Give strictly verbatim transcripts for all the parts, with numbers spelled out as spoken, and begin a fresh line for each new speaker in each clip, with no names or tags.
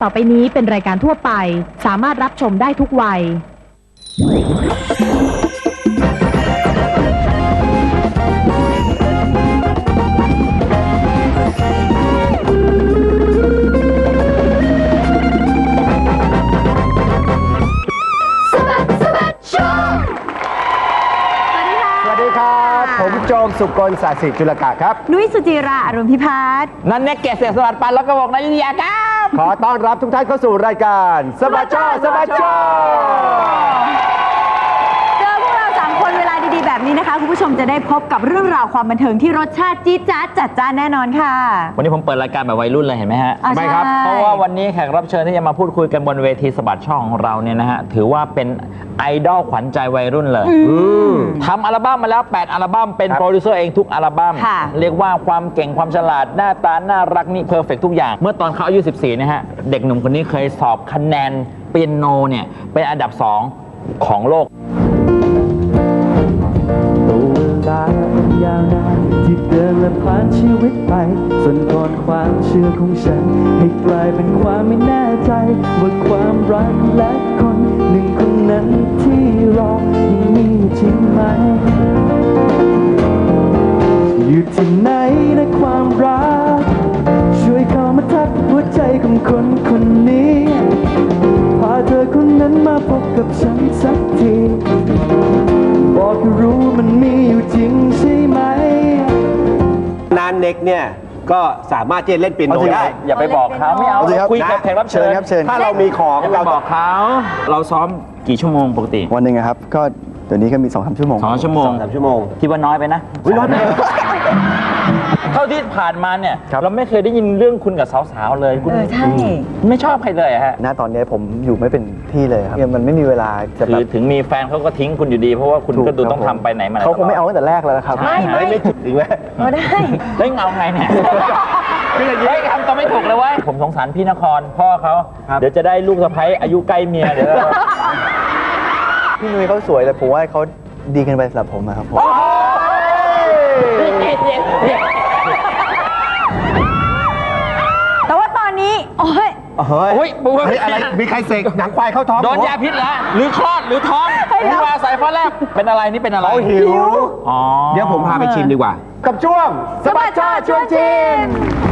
ต่อไปนี้เป็นรายการทั่วไปสามารถรับชมได้ทุกวัย
ผมโจมสุกลศาสิจุลกะครับ
นุ้ยสุจิราอรุณพิพัฒน์
นันเน็กเกษตรสวัสดิ์ปันแล้วก็บอกนายยุทธยาครับ
ขอต้อนรับทุกท่านเข้าสู่รายการสบัดช่อสบัดช่อ
เจอพวกเราสามคนเวลาดีๆแบบนี้นะคะคุณผู้ชมจะได้พบกับเรื่องราวความบันเทิงที่รสชาติจี๊ดจ๊าดจัดจ้านแน่นอนค่ะ
วันนี้ผมเปิดรายการแบบวัยรุ่นเลยเห็นไหมฮะ
ไม่
ครับเพราะว่าวันนี้แขกรับเชิญที่จะมาพูดคุยกันบนเวทีสบัดช่อของเราเนี่ยนะฮะถือว่าเป็นไอดอลขวัญใจวัยรุ่นเลยทำอัลบั้มมาแล้วแปดอัลบั้มเป็นโปรดิวเซอร์เองทุกอัลบั้มเรียกว่าความเก่งความฉลาดหน้าตาน่ารักนี่เพอร์เฟกทุกอย่างเมื่อตอนเขาอายุสิบสี่นะฮะเด็กหนุ่มคนนี้เคยสอบคะแนนเปียโนเนี่ยเป็นอันดับสองของโลก
ตัวเวลายาวนานที่เดินและผ่านชีวิตไปส่วนก่อนความเชื่อของฉันให้กลายเป็นความไม่แน่ใจว่าความรักและคนหนึ่งคนนั้นที่รอยังมีจริงไหมอยู่ที่ไหนนะความรักช่วยเข้ามาทักหัวใจของคนคนนี้พาเธอคนนั้นมาพบกับฉันสักทีบอกให้รู้มันมีอยู่จริงใช่ไหม
นานเน็กเนี่ยก็สามารถที่จะเล่นเปียโนได้
อย่าไปบอกเขาไม่เอาคุยกับแขกรับเชิญ
ถ้าเรามีของ
อย่าไป
เรา
บอกเขาเราซ้อมกี่ชั่วโมงปกติ
วันหนึ่งครับก็เดี๋ยวนี้ก็มีสองสามชั่วโมง
สองชั่วโมง
สามชั่วโมง
คิดว่าน้อยไปนะน้อยไปเท่าที่ผ่านมาเนี่ย
ครับ
เราไม่เคยได้ยินเรื่องคุณกับสาวๆเลยคุณ
เออใช่
ไม่ชอบใครเลยอะฮะ
ณตอนนี้ผมอยู่ไม่เป็นที่เลยครับมันไม่มีเวลาจะ
คื
แบ
อบ ถึงมีแฟนเขาก็ทิ้งคุณอยู่ดี เพราะว่าคุณก็ดูต้องทำไปไหนมาไหน
เขาคงไม่เอาตั้งแต่แรกแล้วนะครับ
ใช่
ไม่
ไม่ถึงไหม
เอาได้
เฮ้ยเอาไงเนี่ยคืออย่างนี้ทำตัวไม่ถูกเลยเว้ยผมสงสารพี่นครพ่อเขาเดี๋ยวจะได้ลูกสะใภ้อายุใกล้เมียเดี๋ยว
พี่นุ้ยเขาสวยแต่ผมว่าเขาดีเกินไปสำหรับผมนะครับผม
แต่ว่าตอนนี้โอ้ย
เฮ้ย
โอ้ยบุ๊ค
เฮ้ยอะไรมีใครเสกหนังควายเข้าท้อง
โดนยาพิษแล้วหรือคลอดหรือท้องหรือว่าสายฟ้าแลบเป็นอะไรนี่เป็นอะไร
เขาหิว
อ๋อ
เดี๋ยวผมพาไปชิมดีกว่า กับช่วงสบัดช่อชวนชิม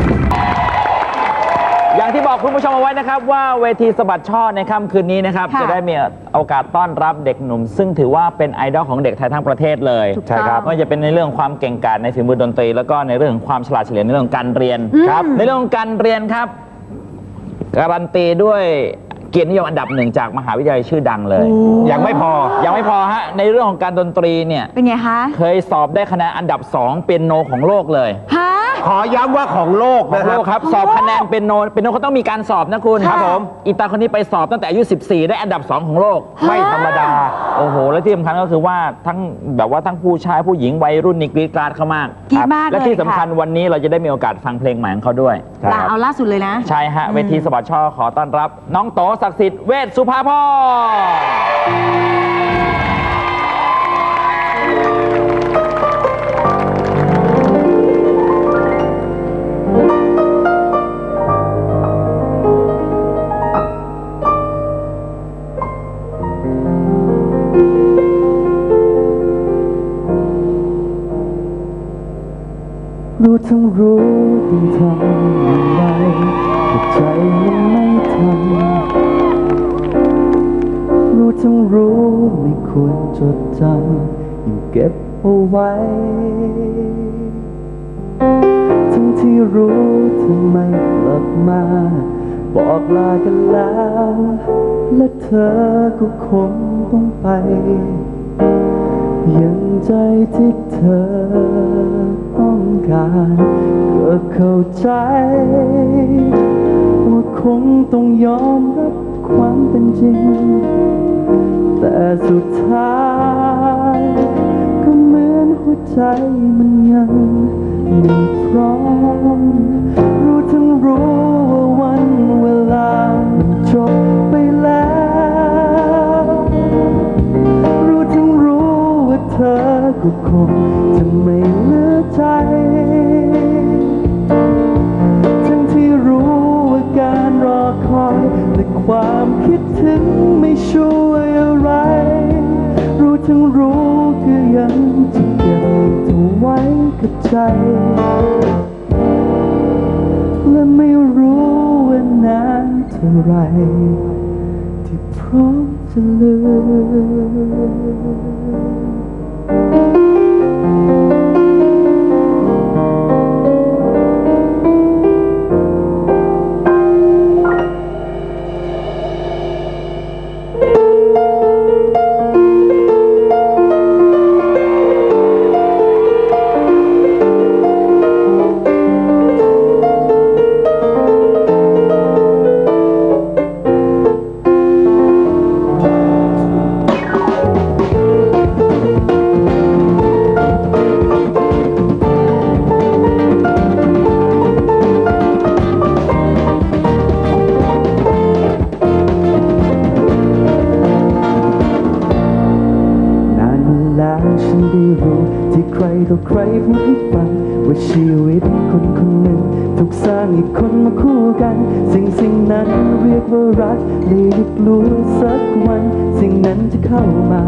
อย่างที่บอกคุณผู้ชมเอาไว้นะครับว่าเวทีสะบัดช่อในค่ำคืนนี้นะครับ
ค่ะ
จะได้มีโอกาสต้อนรับเด็กหนุ่ม ซึ่งถือว่าเป็นไอดอลของเด็กไทยทั้งประเทศเลย
ถูกต้องใช่ครับ
ไม่ว่าจะเป็นในเรื่องความเก่งกาจในฝีมือดนตรี แล้วก็ในเรื่องของความฉลาดเฉลียวในเรื่องของการเรียนครับในเรื่องของการเรียนครับการันตีด้วยเกียรตินิยมอันดับหนึ่งจากมหาวิทยาลัยชื่อดังเลย
ยังไม่พอ
ยังไม่พอฮะในเรื่องของการดนตรีเนี่ย
เป็นไงคะ
เคยสอบได้คะแนนอันดับสองเปียโนของโลกเลย
ฮะ
ขอย้ำว่าของโลก
ของ
นะค
โล
รับ
กครับสอบคะแนนเป็นโนเป็นโนเขาต้องมีการสอบนะคุณ
ครับผม
อีตาคนนี้ไปสอบตั้งแต่อายุสิบสี่ได้อันดับสองของโลก
ไม่ธรรมดา
โอ้โหและที่สำคัญก็คือว่าทั้งแบบว่าทั้งผู้ชายผู้หญิงวัยรุ่นนี่กรี๊ดกราดเขามาก
กรี๊ดมากเลย
และที่สำคัญ
ค่ะ
วันนี้เราจะได้มีโอกาสฟังเพลงใหม่ของเขาด้วย
ลาเอาล่าสุดเลยนะ
ใช่ฮะเวทีสะบัดช่อขอต้อนรับ น้องโตศักดิ์สิทธิ์เวชสุภาพร
รู้ทั้งรู้ต้องทำอย่างไรแต่ใจมันไม่ทำรู้ทั้งรู้ไม่ควรจดจำยังเก็บเอาไว้ทั้งที่รู้ทำไมกลับมาบอกลากันแล้วและเธอก็คงต้องไปยังใจที่เธอต้องการก็เข้าใจว่าคงต้องยอมรับความเป็นจริงแต่สุดท้ายก็เหมือนหัวใจมันยังไม่พร้อมรู้ทั้งรู้ว่าวันเวลามันจบไปแล้วรู้ทั้งรู้ว่าเธอก็คงจะไม่เหลือใจทั้งที่รู้ว่าการรอคอยถึงไม่ช่วยอะไร รู้ทั้งรู้ก็ยังจะเก็บเธอไว้กับใจ และไม่รู้ว่านานเท่าไรที่พร้อมจะลืฉันได้รู้ที่ใครต่อใครพูดให้ฟังว่าชีวิตคนคนหนึ่งถูกสร้างให้คนมาคู่กันสิ่งสิ่งนั้นเรียกว่ารักเลยได้กลัวสักวันสิ่งนั้นจะเข้ามา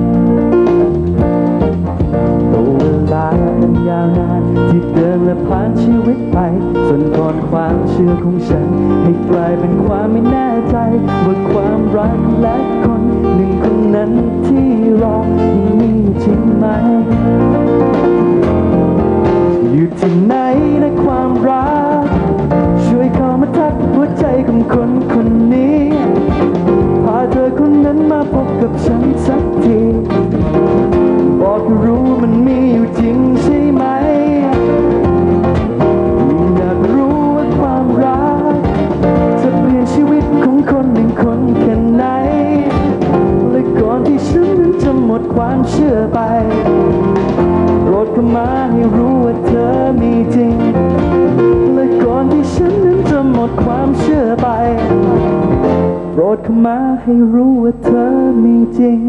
ตัวเวลานั้นยาวนานที่เดินและผ่านชีวิตไปส่วนก่อนความเชื่อของฉันให้กลายเป็นความไม่แน่ใจว่าความรักและคนหนึ่งคนนั้นที่รอยังมีจริงไหมอยู่ที่ไหนนะความรักช่วยเข้ามาทักหัวใจของคนคนนี้พาเธอคนนั้นมาพบกับฉันสักทีบอกให้รู้มันมีอยู่จริงใช่ไหมอยากรู้ว่าความรักจะเปลี่ยนชีวิตของคนหนึ่งคนแค่ไหนและก่อนที่ฉันนั้นจะหมดความเชื่อไปโปรดเข้ามาให้รู้ว่าเธอมีจริงและก่อนที่ฉันนั้นจะหมดความเชื่อไปโปรดเข้ามาให้รู้ว่าเธอมีจริง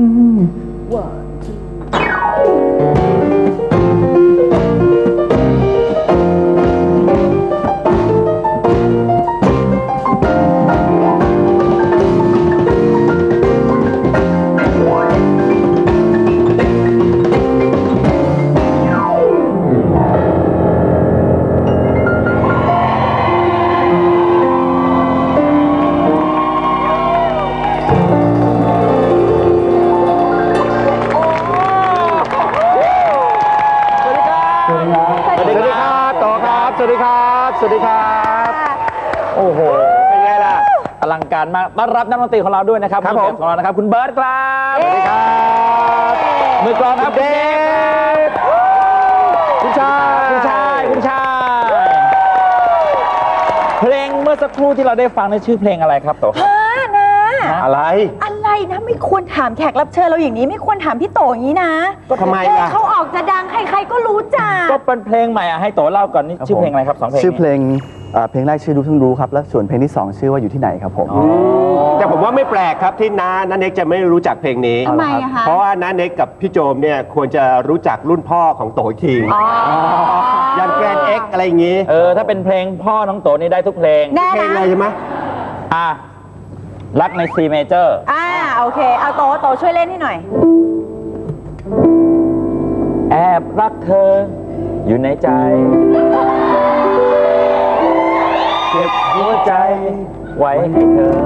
สวัสดีครับสวัสดีครับโอ้โหเป็นไงล่ะอลังการมากต้อนรับนักดนตรีของเราด้วยนะครับครับผมของเรานะครับคุณเบิร์ตครับสวัสดีครับมือกลองครับเดฟคุณชายคุณชายคุณชายเพลงเมื่อสักครู่ที่เราได้ฟังในชื่อเพลงอะไรครับโตครับนะอะไร
อะไรนะไม่ควรถามแขกรับเชิญเราอย่างนี้ไม่ควรถามพี่โตอย่างนี้นะ
ก็ทำไมล่ะ
เขาออกจะดังใครๆก็รู้จัก
ก็เป็นเพลงใหม่อ่ะให้โตเล่าก่อนนี่ชื่อเพลงอะไรครับสองเพลง
ชื่อเพลงเพลงแรกชื่อรู้ทั้งรู้ครับและส่วนเพลงที่สองชื่อว่าอยู่ที่ไหนครับผม
แต่ผมว่าไม่แปลกครับที่น้าน้าเน็กจะไม่รู้จักเพลงนี้
ทำไมอะคะ
เพราะว่าน้าเน็กกับพี่โจมเนี่ยควรจะรู้จักรุ่นพ่อของโตอีกทียันแกรนเอ็กอะไรอย่างงี้
เออถ้าเป็นเพลงพ่อน้องโตนี่ได้ทุกเพลง
เพลงอะไรใช่ไหม
อ่ะรักใน C major
อ่าโอเคเอาโตโตช่วยเล่นให้หน่อย
แอบรักเธออยู่ในใจเก็บหัวใจไว้ให้เธอ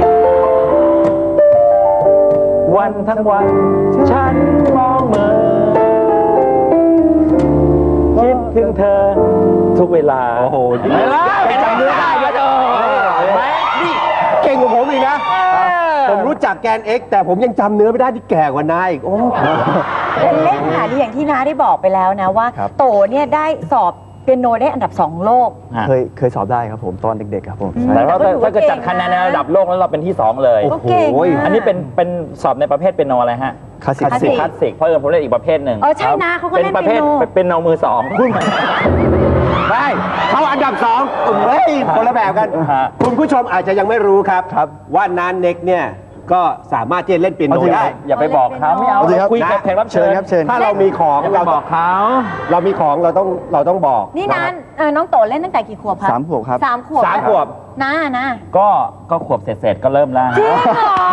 วันทั้งวันฉันมองเมอคิดถึงเธอทุกเวลา
โอ้โห
ไม่ละไม่จำเนื้อได้เยอะเออไหม
นี่เก่งกว่าผมอีกนะผมรู้จักแกนเอ็กแต่ผมยังจำเนื้อไม่ได้ที่แก่กว่าน้าอีกโอ้
เล่นขนาดนี้อย่างที่น้าได้บอกไปแล้วนะว่าโตเนี่ยได้สอบเปียโนได้อันดับสองโลก
เคยเคยสอบได้ครับผมตอนเด็กๆครับผม
แต่ว่าถ้าเกิดจัดคะแนนในระดับโลกแล้วเราเป็นที่สองเลย
โอ้โห
อันนี้เป็นเป็นสอบในประเภทเปียโนอะไรฮะ
คลาสสิก
คลาสสิกเพราะเออผมเล่นอีกประเภทหนึ่ง
เออใช่นะเขาก็เล่นเปียโน
เป็นโนมือสอง
ไม่เขาอันดับสองเฮ้ยคนละแบบกันคุณผู้ชมอาจจะยังไม่รู้ครับว่าน้าเน็กเนี่ยก็สามารถที่จะเล่นเปียโนได้
อย่าไปบอกเขาไม่เอาคุยกับแขกรับเชิญ
ครับเชิญ
ถ้าเรามีของ
เราบอกเขา
เรามีของเราต้องเราต้องบอก
นี่นั้นน้องโตเล่นตั้งแต่กี่ขวบครับ
สามขวบครับ
สามขวบ
สามขวบ
นะนะ
ก็ก็ขวบเสร็จๆก็เริ่มแล้ว
จริงเหรอ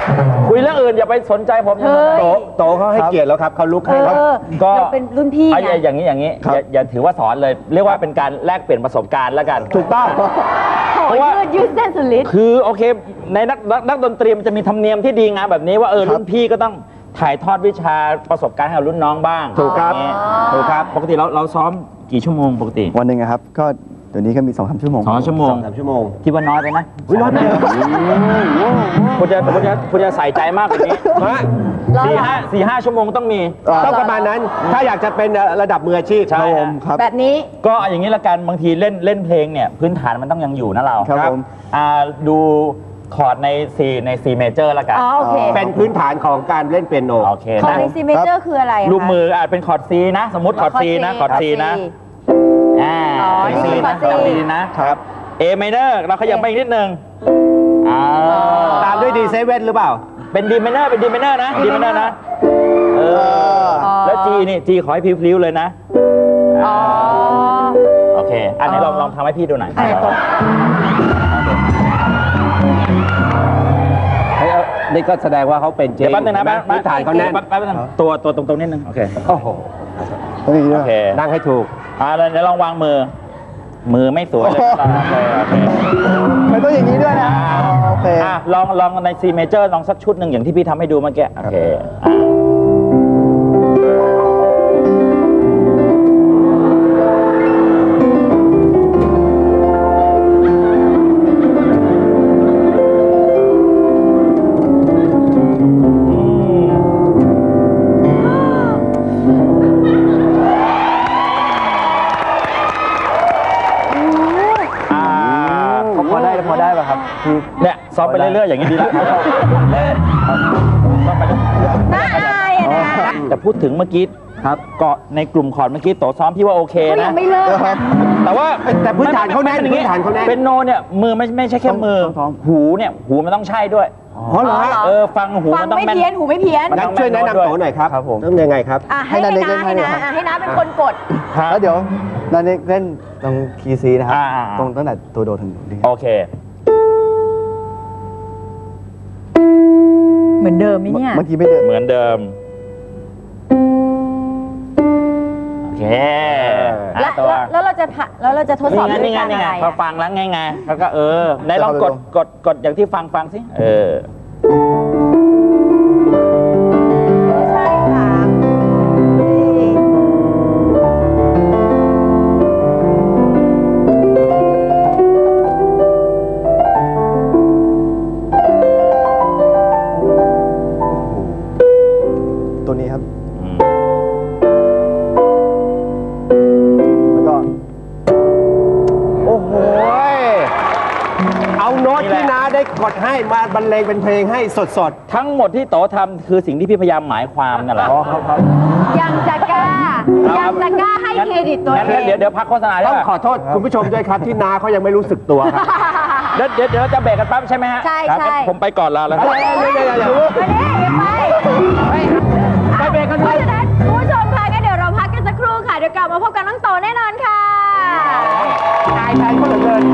คุยเรื่องอื่นอย่าไปสนใจผม
เฮ้ย
โตโตเขาให้เกียรติแล้วครับเขาลุกให้ครับ
เออ
ก็
เราเป็นรุ่นพี่
อ่ะ
ไง
อย่าอย่างนี้อย่างนี้อย่าอย่าถือว่าสอนเลย เรียกว่าเป็นการแลกเปลี่ยนประสบการณ์แล้วกัน
ถูกต้อง
โอ้ยยืดยืดเส้นสุดฤทธิ์
คือโอเคในนักนักนักดนตรีมันจะมีธรรมเนียมที่ดีงามแบบนี้ว่าเออรุ่นพี่ก็ต้องถ่ายทอดวิชาประสบการณ์ให้กับรุ่นน้องบ้าง
ถูกครับ
อย่างนี้
ถูกครับ
ปกติเราเราซ้อมกี่ชั่วโมงปกติ
วันหนึ่งอะครับ ก็เดี๋ยวนี้ก็มีสองสามชั่วโมง
สองชั่วโมง
สองสามชั่วโมง
คิดว่าน้อยไปนะ
อุ๊ยน้อยไปเหรอ
คุณจะคุณจะคุณจะใส่ใจมากกว่านี้
ฮะ
สี่ห้าสี่ห้าชั่วโมงต้องมี
ต้องประมาณนั้น ถ้าอยากจะเป็นระดับมืออาชีพ
ใช่
ครับผมครับ
แบบนี้
ก็อย่างนี้ละกันบางทีเล่นเล่นเพลงเนี่ยพื้นฐานมันต้องยังอยู่นะเรา
ครับผม
อ่าดูคอร์ดใน C ใน C major ละกัน
อ๋อโอเค
เป็นพื้นฐานของการเล่นเปียโน
โอเค
คอร์
นะ
ดในซีเมเจอร์คืออะไรอะคะ
ลูกมืออาจเป็นคอร์ด C นะ สมมติคอร์ด C นะคอร์ด C นะอ่า
อ๋อ
เป็น C
นี่คือคอ
นะ
ร์ด C
จำดีๆนะครับ A minor เราขยับไปอีกนิดนึงอ่า
ตามด้วยดีเซเว่นหรือเปล่า
เป็น D minor เป็น D minor นะ D minor นะเออแล้ว G นี่ G ขอให้พลิ้วๆเลยนะ
อ๋อ
โอเค อันนี้ลองลองทำให้พี่ดูหน่อย
อะไรก่อน
เฮ้ยเอานี่ก็แสดงว่าเขาเป็นจริง
เดี๋ยวแป๊บนึงนะ
เห็ไหมพื้นฐานเขาแน่น
แป๊บแป๊บนึงตัวตัวตรงๆนิดนึงโอเค
โอ้โห
ต้องอย่างนี้
โอ
ด้วย
เค
นั่งให้ถูก
อ่าแล้วเดี๋ยวลองวางมือ มือไม่สวยเลยโอเคโอเค
มันต้องอย่างนี้ด้วยนะโอเค
อ่ะลองลองใน C major ลองสักชุดหนึ่งอย่างที่พี่ทำให้ดูเมื่อกี้โอเคอ่ะอ่า
พอได้พอได้ป่ะครับพี่
เนี่ยซ้อมไปเรื่อยๆอย่างนี้ดีแล้วซ้อมไปเรื่อย
น่าอายอะนะ
ๆแต่พูดถึงเมื่อกี้
ครับ
ก็ในกลุ่มคอร์ดเมื่อกี้โตซ้อมพี่ว่าโอเค
เขายั
นะ
งไม่เลิกนะ
แต่ว่า
แต่พื้นฐานเขาแน่น
มัป็อย่ง
พื้นฐานเขาแน่น
เป็นโนเนี่ยมือไม่ไม่ใช่แค่มือ
ต้องซ้อม
หูเนี่ยหูมันต้องใช่ด้วย
อ๋อเหรอฮะ
เออฟังหู
ฟัง
มันต้อง
ไม่
แม่น
เพี้ยนหูไม่เพี้ยน
มัน
งั้
ต้
น
อง
ช่วยแนะนำโตหน่อยครับ
ครับผม
ต้องยังไงครับ
อ่ะให้
ให้
ให้
นาเด็ก
น้า
เล่นให้
ให้
หน่อย
น้า
ครับ
อ่ะให้น้าเป็นคนกด
ฮะ
แล้วเดี๋ยวนันเน็กเล่นตรงคีย์ซีนะครับ
อ่าอ่า
ตรงตั้งแต่ตัวโดถึงดี
โอเค
เหมือนเดิมไหมเนี่ย
เมื่อกี้ไม่เดิน
เหมือนเดิมโอเค
แล้ว
อ่ะตัว
แล้วแล้วเราจะผ่าแล้วเราจะทดสอบ
นี่ไง
ด้วย
นี่ไง
การ
นี่
อะ
ไง
ไร
พอ
อะ
ฟังแล้วไงไงแล้วก็เออไหนลองกดกดกดอย่างที่ฟังฟังสิเออ
ใช่ค่ะนี่
ตัวนี้ครับ
อืม
แล้วก็
โอ้โหยเอาโน้ตที่น้าได้กดให้มาบรรเลงเป็นเพลงให้สด
ทั้งหมดที่โตทำคือสิ่งที่พี่พยายามหมายความนั่นแหละ
อ๋อครับครับ
ยังจะกล้า ยังจะกล้าให้เครดิตตัว
งั้น
เอ
งั้น
ง
เดี๋ยวเดี๋ยวพักโฆษณา
ๆ
ได้
ต้อง
ป่ะ
ขอโทษคุณผู้ชมด้วยครับที่น้าเขายังไม่รู้สึกตัวครับ
เดี๋ยวเดี๋ยวเดี๋ยวจะเบรกกันแป๊บใช่ไหมฮะ
ใช่
ครับ
ใช่
งั้นผมไปก่อนลาแล้วครับ
เดี๋ยวเดี๋ยวเดี๋ยวเดี๋ยว
ไปดิอย่าไป
ไปเบรกกัน
เพ
เล
ราะ
ย
ฉะนั้นคุณผู้ชมคะงั้นเดี๋ยวเราพักกันสักครู่ค่ะ เดี๋ยวกลับมาพบกับน้องโตแน่นอนค่ะ
อายแทนเขาเหลือเกิน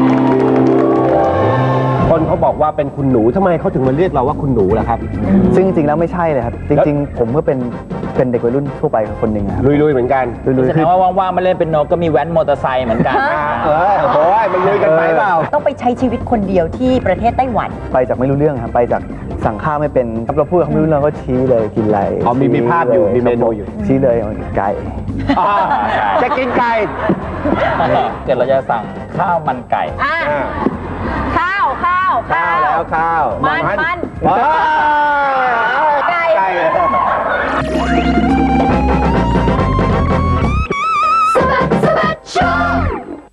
คนเขาบอกว่าเป็นคุณหนูทำไมเขาถึงมาเรียกเราว่าคุณหนูล่ะครับ
ซึ่งจริงๆแล้วไม่ใช่เลยครับ จริง ๆ ผมก็เป็นเป็นเด็กวัยรุ่นทั่วไปคนหนึ่งครับ
ลุยๆเหมือนกัน
ลุย
แส
ๆ
ด
คือง
ว่าว่างๆมาเล่นเป็นโนก็มีแว้นมอเตอร์ไซค์เหมือนกัน
เออโอ้ยมันลุยกันไปเปล่า
ต้องไปใช้ชีวิตคนเดียวที่ประเทศไต้หวัน
ไปจากไม่รู้เรื่องครับ ไปจากสั่งข้าวไม่เป็นครับเราพูดกับเขาไม่รู้เรื่องก็ชี้เลยกินอะไร
อ๋อมีมีภาพอยู่มีเมนูอยู่
ชี้เลยไก่
อ่าจะกินไก่
เกิดเราจะสั่งข้าวมันไก่
อ่ะ
อ่า
ข้าวข้าว
ข้าวแล้วข้าว
มันมัน
ว้าว